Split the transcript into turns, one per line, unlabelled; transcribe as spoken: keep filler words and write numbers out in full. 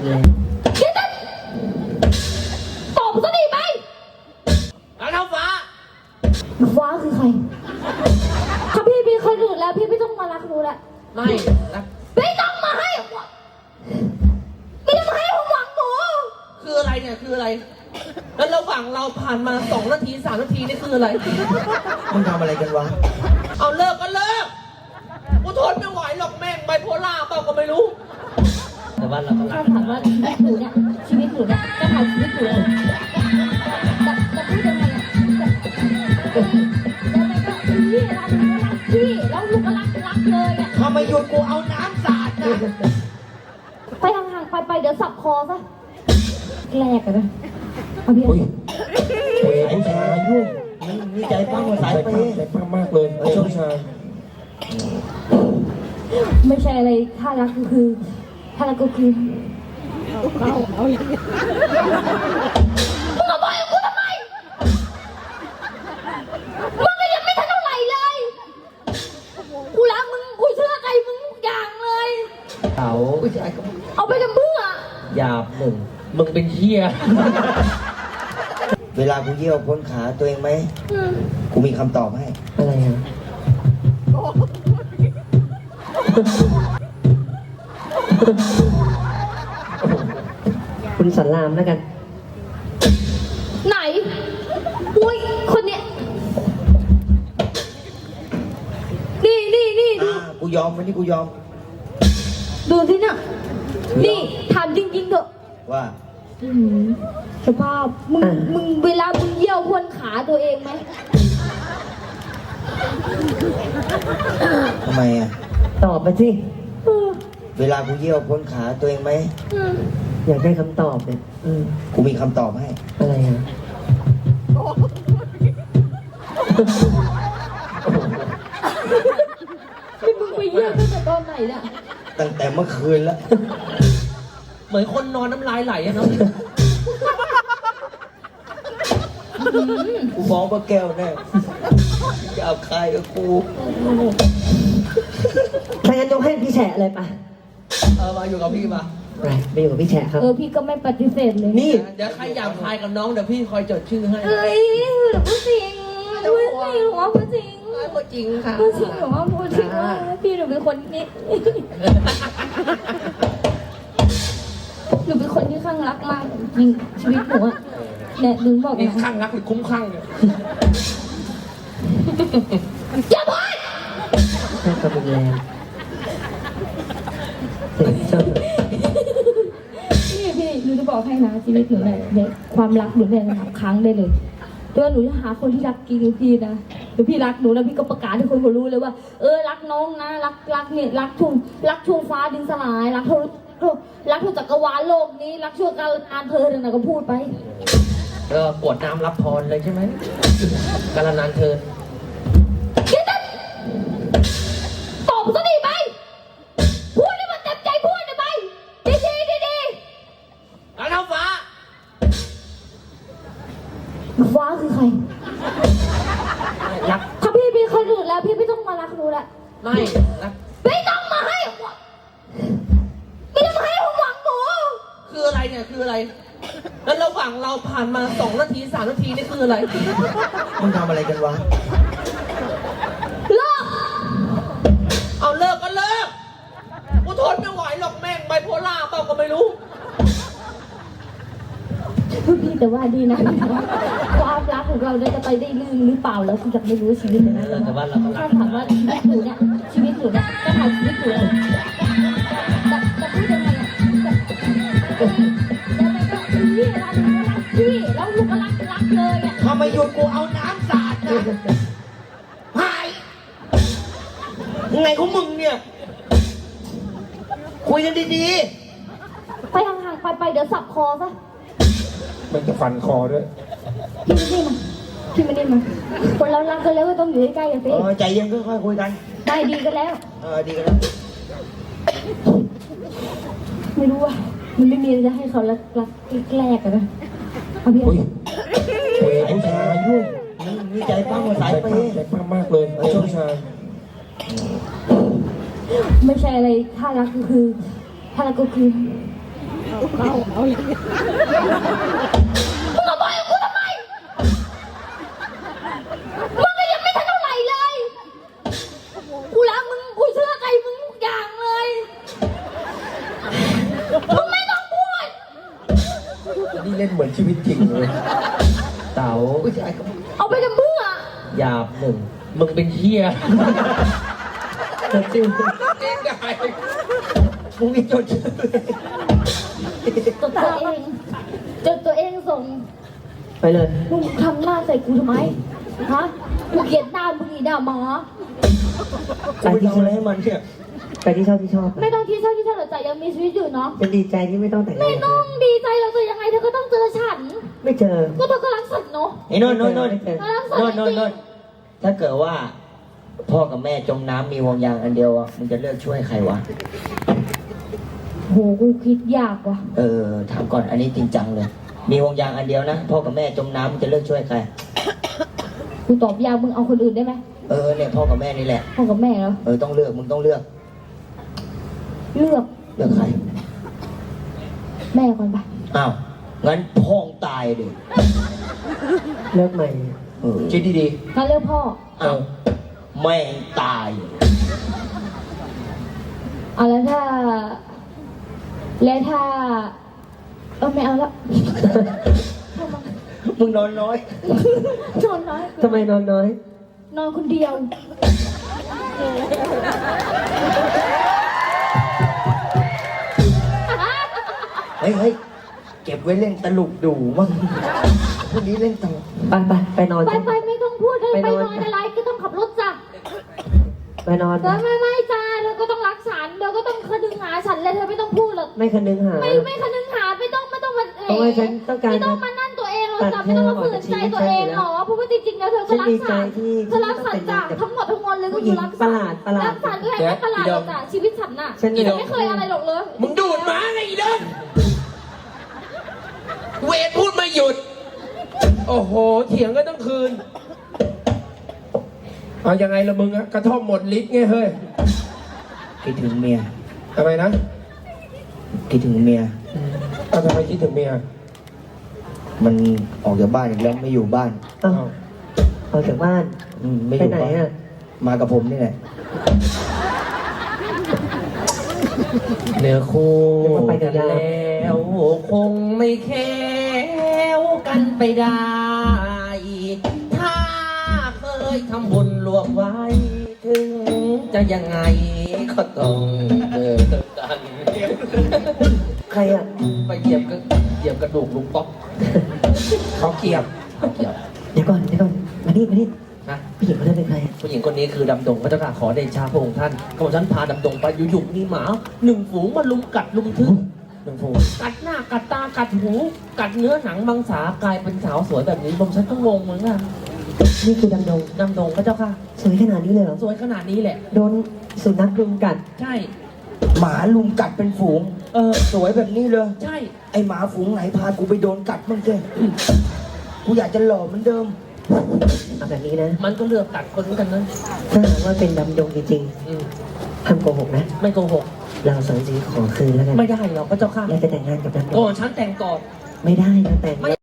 นแรง
ตอบซะดีไหม
แล้วเท้าฟ้า
ฟ้าคือใครถ้าพี่มีคนอื่นแล้วพี่ไม่ต้องมารักหนูแล้ว
ไม่รัก
ไม่ต้องมาให้ไม่ต้องมาให้ผมหวังหนู
คืออะไรเนี่ยคืออะไรแล้วระหว่างเราผ่านมาสองนาทีสามนาทีนี่คืออะไร
มึงทำอะไรกันวะ
เอาเลิกก็เลิกกูทนไม่ไหวหรอกแม่งไบโพล่าเปล่าก็ไม่รู้แต่ว่าเราก็รัก
ถามว่าชีวิตหนูเนี่ยชีวิตหนูเนี่ยจะถ่ายชีวิตหนูเลยจะจะพูดยังไงอ่ะแล้วมันก็พี่รักหนูก็รักพี่แล้วลูกก็รักรักเลยอ่ะ
ทำไมหยุดกูเอาน้ำสาดนะ
ไปห่างๆไปไปเดี๋ยวสับคอซะแรกกันนะเอาพี่
เฮ้ยผู้ชายยุ่งนี่ใจปั้มสายเปย์ใจปั้มมากเลยไอ้ช่วงชาย
ไม่ใช่อะไรถ้ารักก็คือถ้ารักก็คือเอาเอาอย่างนี้มึงมาบอกกูทำไมมึงก็ยังไม่ทันเท่าไหร่เลยกูรักมึงกูเชื่อใจมึงทุกอย่างเลย
เขา
เอาไปทำเพื่อ
หยาบหนึ่ง
มึงเป็นเหี้ย
เวลากูเยี่ยวพ้นขาตัวเองไหมกูมีคำตอบให้
อะไรอ่ะคุณสันรามแล้วกัน
ไหนอุ้ยคนเนี้ยนี่นี่นี่ดู
กูยอมวันนี้กูยอม
ดูสิน่ะนี่ถามจริงๆเถอะ
ว่า
สภาพมึงมึงเวลามึงเยี่ยวพ้นขาตัวเองไหม
ทำไมอ่ะ
ตอบมาสิ
เวลากูเยี่ยวพ้นขาตัวเองไหม
อยากได้คำตอบเนี่ย
กูมีคำตอบให้
อะไรอ่ะ
มึงไปเยี่ยวตั้งแต่ตอนไหนเนี่ย
ตั้งแต่เมื่อคืนแล้ว
เหมือนคนนอนน้ำลายไหลอะเนาะ
กูมองว่าแก้วแน่จะเอาใครกับกู
ถ้างั้นยกให้พี่แฉะเลยปะ
เออมาอยู่กับพี่มา
ไปไปอยู่กับพี่แฉะครับ
เออพี่ก็ไม่ปฏิเสธเลย
นี่เดี๋ยวใครอยากทายกับน้องเดี๋ยวพี่คอยจดชื่อให้
เอ้ยพูดจริงพูดจริงหรอพูดจริง
พูดจริงค่ะ
พูดจริงหรอพูดจริงว่าพี่หนูเป็นคนนี้หนูเป็นคนที่ข้างรักมากจริงชีวิตหนูอะเนี่ยหนูบอก
นี่ข้างรักหรือคุ้มข้างเนี่ย
อย่าพูด
แค่กำลังแรงเสียงชอบ
นี่พี่หนูจะบอกให้นะชีวิตหนูเนี่ยเนี่ยความรักหนูเนี่ยนับครั้งได้เลยตัวหนูจะหาคนที่รักจริงพี่นะหรือพี่รักหนูแล้วพี่ก็ประกาศให้คนเขารู้เลยว่าเออรักน้องนะรักรักเนี่ยรักทุ่งรักทุ่งฟ้าดินสลายรักทุรักทุกจักรวาลโลกนี้รักชั่วการงานเธอเนี่ยก็พูดไป
เออกวดน้ำรับพรเลยใช่ไหมการนานเธอ
ตอบซะดีไหมพูดให้มันเต็มใจพูดได้ไหมดีดีดีดี
แล้วเท้าฟ้า
ฟ้าคือใคร
รัก
ถ้าพี่มีคนอื่นแล้วพี่ไม่ต้องมารักหนูแล้ว
ไม่รัก
ไม่ต้องมาให้ไม่ต้องมาให้ผมหวังหนู
คืออะไรเนี่ยคืออะไรแล้วระหว่างเราผ่านมาสองนาทีสามนาทีนี่คืออะไร
มึงทำอะไรกันวะ
เลิก
เอาเลิกก็เลิกกูทนไม่ไหวหรอกแม่งไบโพล่าเปล่าก็ไม่รู้
พี่แต่ว่าดีนะความรักของเราจะไปได้ลื่นหรือเปล่าแล้วคุณจะไม่รู้ชีวิตเลยนะ
แต่ว่าเรา
ถ้าถามว่าชีวิตหนูเนี่ยชีวิตหนูเนี่ยจะถ่ายชีวิตหนูเลยจะจะพูดยังไงอ่ะแล้วมันก็พี่รักหนูก็รักพี่แล้วลูกก็รักรักเลยอ่ะ
ทำไมหยุดกูเอาน้ำสาดนะหายไงของมึงเนี่ยคุยกันดี
ๆไปห่างๆไปไปเดี๋ยวสับคอซะ
มันจะฟันคอด้วย
พี่ไม่ได้มาพี่ไม่ได้มาคนเรารักกันแล้วก็ต้องอยู่ใกล้ๆกันสิ
ใจเย็นค่อยๆคุยกัน
ได้ดีกันแล้ว
เออดีกันแล้ว
ไม่รู้ว่ามันไม่มีอะไรจะให้เขารักรักแรกกันนะเอาพี่
เฮ้ยผู้ชายยุ่งนี่ใจปั้มสายเปย์ใจปั้มมากเลยไอ้ช่วงชาย
ไม่ใช่อะไรถ้ารักก็คือถ้ารักก็คือเอาเอาอย่างนี้มึงขโมยกูทำไมมึงก็ยังไม่ทันเท่าไหร่เลยกูรักมึงกูเชื่อใจมึงทุกอย่างเลยมึงไม่ต้องพูด
นี่เล่นเหมือนชีวิตจริงเลย
เต๋า
ผู้ชายก็
เอาไปทำเพื่อ
หยาบหนึ่งมึงเป็นเฮีย
จดชื่อ
เองได้มึงมีจดชื่อ
จดตัวเองจดตัวเองส่ง
ไปเลย
มึงทำหน้าใส่กูทำไมฮะกูเกลียดหน้ามึงอีด่าหมา
ไป
กู
ที่
ทำ
ชอ
อะไร
บ
ให้มันเนี่ย
ไปที่ชอบที่ชอบ
ไม่ต้องคิดเศร้าที่เศร้าใจยังมีชีวิตอยู่เนาะ
เป็นดีใจที่ไม่ต้องแต่งงา
ไม่
น
ต้องดีใจเราจะยังไงเธอก็ต้องเจอฉัน
ไม่เจอ
ก็เธอก็รักฉันเนาะ
ไอ้โนนโนนโนน
ไม่เจอ
รักฉัน
โนน
จ
โนน
ริง
โนนถ้าเกิดว่าพ่อกับแม่จมน้ำมีห่วงยางอันเดียวอ่ะมึงจะเลือกช่วยใครวะ
โหกูคิดยากว่ะ
เออถามก่อนอันนี้จริงจังเลย มีห่วงยางอันเดียวนะพ่อกับแม่จมน้ำมึงจะเลือกช่วยใคร
กูตอบยากมึงเอาคนอื่นได้ไหม
เออเนี่ยพ่อกับแม่นี่แหละ
พ่อกับแม่เหรอ
เออต้องเลือกมึงต้องเลือก
เลือก
เลือกใคร
แม่ก่อนไป
อ้าวงั้นพ่องตายดิ
เลิกใหม่
เออคิดดี
งั้นเลือกพ่อ
ๆอ้าวแม่งตาย
เอาแล้วถ้า แล้วถ้าเออไม่เอาละ
มึงนอนน้อย
นอนน้อย
ทำไมนอนน้อย
นอนคนเดียว
เฮ้ยเฮ้ยเก็บไว้เล่นตลกดูมั่งพรุ่งนี้เล่นตลก
ไปไปไปนอน
ไป
จ้ะ
ไปไม่ต้องพูดเลย
ไป
ไป
นอน
นอนอะไรก็ต้องขับรถจ้ะ
ไปนอน
เธอไม่ไม่จ้าเธอก็ต้องรักฉันเธอก็ต้องคนึงหาฉันเลยเธอไม่ต้องพูดหรอก
ไม่คันนึงหา
ไม่ไม่คนึงหาไม่ต้องไม่ต้องมาเอ๋
เพราะว่าฉันต้องการ
ไม่ต้องมานั่นตัวเองหรอก
ตัด
จ้ะไม่ต้องมาฝืนใจตัวเอง
เธอ
หร
อ
อ
อกจากชีวิตฉันอยู่แล้ว
เพราะว่าจริงๆแล้วเธอก็
ฉัน
รัก
ดีใจ
ฉัน
ที่
เธอรักฉันจ้ะ
ที่
ทั้งหมดทั้งมวลเลยก็
ผู้หญิ
คือง รัก
ประ
ฉัน
หลาดประหลาด
รักฉันก็แค่ไม่ประหลาดหรอกจ้ะชีวิตฉันน่ะ
ฉันนี่แหละ
ไม่เคยอะไรหรอกเลย
มึงดูดหมาไงอีเดินเวทพูดไม่หยุด โอ้โห เถียงกันตั้งคืน เอายังไงละมึงอะกระท่อมหมดลิตรไงเฮ้ย
คิดถึงเมีย
ทำไมนะ
คิดถึงเมีย
เอาทำไมคิดถึงเมีย
มันออกจากบ้านอีกแล้วไม่อยู่บ้าน
เอ้าออกจากบ้าน
อืมไม่อ
ไป
ยู่
ไหน
บ้าน
อ่ะ
มากับผมนี่แหละ
เนื้อคู่
เดี๋ยวก็ไปกันยาว
แล้วคงไม่แค้วกันไปได้ ถ้าเคยทำบุญรวมไว้ ถึงจะยังไงก็ต้องเจอกัน
ใครอ่ะ
ไปเหยียบก็เหยียบกระดูกลุงป๊อกเขาเกียบเขาเกียบ
เดี๋ยวก่อนเดี๋ยวก่อนมานี่มานี่
นะ
ผู้หญิงคนนั้นเป็นใครอะ
ผู้หญิงคนนี้คือดำดงพระเจ้าค่ะขอเดชาพระองค์ท่านขอฉันพาดำดงไปอยู่ๆมีหมาหนึ่งฝูงมาลุมกัดลุมทึกหนึ่งฝูงกัดหน้ากัดตากัดหู กัดเนื้อหนังมังสากลายเป็นสาวสวยแบบนี้ผมฉันก็งงเหมือนกัน
นี่คือดำดง
ดำดงพระเจ้าค่ะ
สวยขนาดนี้เลยเหรอ
สวยขนาดนี้แหละ
โดนสุนัขรุมกัด
ใช่
หมาลุมกัดเป็นฝูง
เออ
สวยแบบนี้เลย
ใช่
ไอหมาฝูงไหนพากูไปโดนกัดมั่งเจ้กูอยากจะหล่อเหมือนเดิม
เอาแบบนี้นะ
มันก็เลือกกัดคนเหมือนกันนะ
ถ้าหากว่าเป็นดำดงจริง
อืม
ๆห้ามโกหกนะ
ไม่โกหก
เราสองสีขอคืนแล้วกัน
ไม่ได้หรอกพระเจ้าค่ะ
แล้วจะแต่งงานกับดำด
ก่
ง
อนฉันแต่งก่อน
ไม่ได้นะแต่ง
ไม่